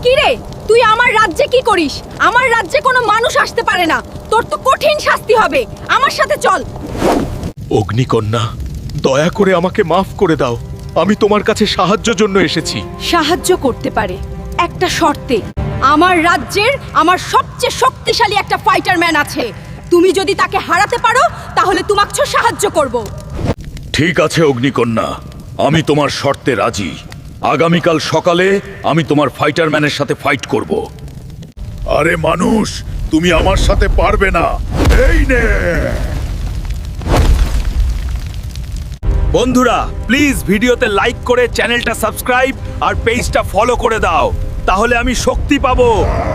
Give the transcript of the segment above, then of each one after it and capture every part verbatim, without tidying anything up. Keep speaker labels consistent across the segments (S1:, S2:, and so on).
S1: কি রে, তুই আমার রাজ্যে কি করিস? আমার রাজ্যে কোনো মানুষ আসতে পারে না। তোর তো কঠিন শাস্তি হবে। আমার সাথে চল।
S2: অগ্নিকন্যা, দয়া করে আমাকে মাফ করে দাও। আমি তোমার কাছে সাহায্যের জন্য এসেছি।
S1: সাহায্য করতে পারে একটা শর্তে। আমার রাজ্যের আমার সবচেয়ে শক্তিশালী একটা ফাইটার ম্যান আছে। তুমি যদি তাকে হারাতে পারো তাহলে তোমাকে সাহায্য করব।
S3: ঠিক আছে অগ্নিকন্যা, আমি তোমার শর্তে রাজি। আগামীকাল সকালে আমি তোমার ফাইটার ম্যানের সাথে ফাইট করব।
S2: আরে মানুষ, তুমি আমার সাথে পারবে না। এই নে।
S3: বন্ধুরা, প্লিজ ভিডিওতে লাইক করে চ্যানেলটা সাবস্ক্রাইব আর পেজটা ফলো করে দাও, তাহলে আমি শক্তি পাবো।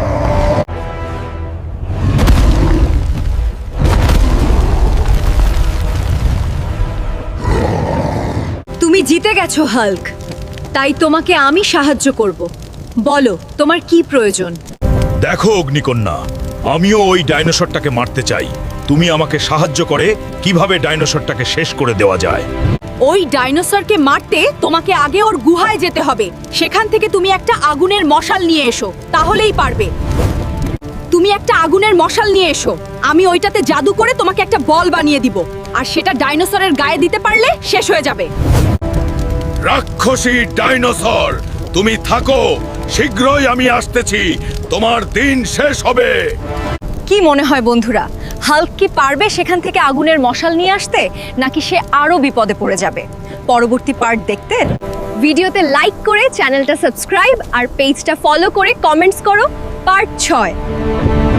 S1: তুমি জিতে গেছো হাল্ক, তাই তোমাকে আমি সাহায্য করব। বলো তোমার কি প্রয়োজন?
S2: দেখো অগ্নিকন্যা, আমিও ওই ডাইনোসরটাকে মারতে চাই। তুমি আমাকে সাহায্য করে কিভাবে ডাইনোসরটাকে শেষ করে দেওয়া যায়।
S1: ওই ডাইনোসরকে মারতে তোমাকে আগে ওর গুহায় যেতে হবে। সেখান থেকে তুমি একটা আগুনের মশাল নিয়ে এসো, তাহলেই পারবে। তুমি একটা আগুনের মশাল নিয়ে এসো। আমি ওইটাতে জাদু করে তোমাকে একটা বল বানিয়ে দিব, আর সেটা ডাইনোসরের গায়ে দিতে পারলে শেষ হয়ে যাবে।
S2: রাক্ষসী ডাইনোসর, তুমি থাকো, শীঘ্রই আমি আসতেছি। তোমার দিন শেষ হবে।
S1: কি মনে হয় বন্ধুরা, হাল্ক কি পারবে সেখান থেকে আগুনের মশাল নিয়ে আসতে, নাকি সে আরো বিপদে পড়ে যাবে? পরবর্তী পার্ট দেখতে ভিডিওতে লাইক করে চ্যানেলটা সাবস্ক্রাইব আর পেজটা ফলো করে কমেন্টস করো পার্ট ছয়।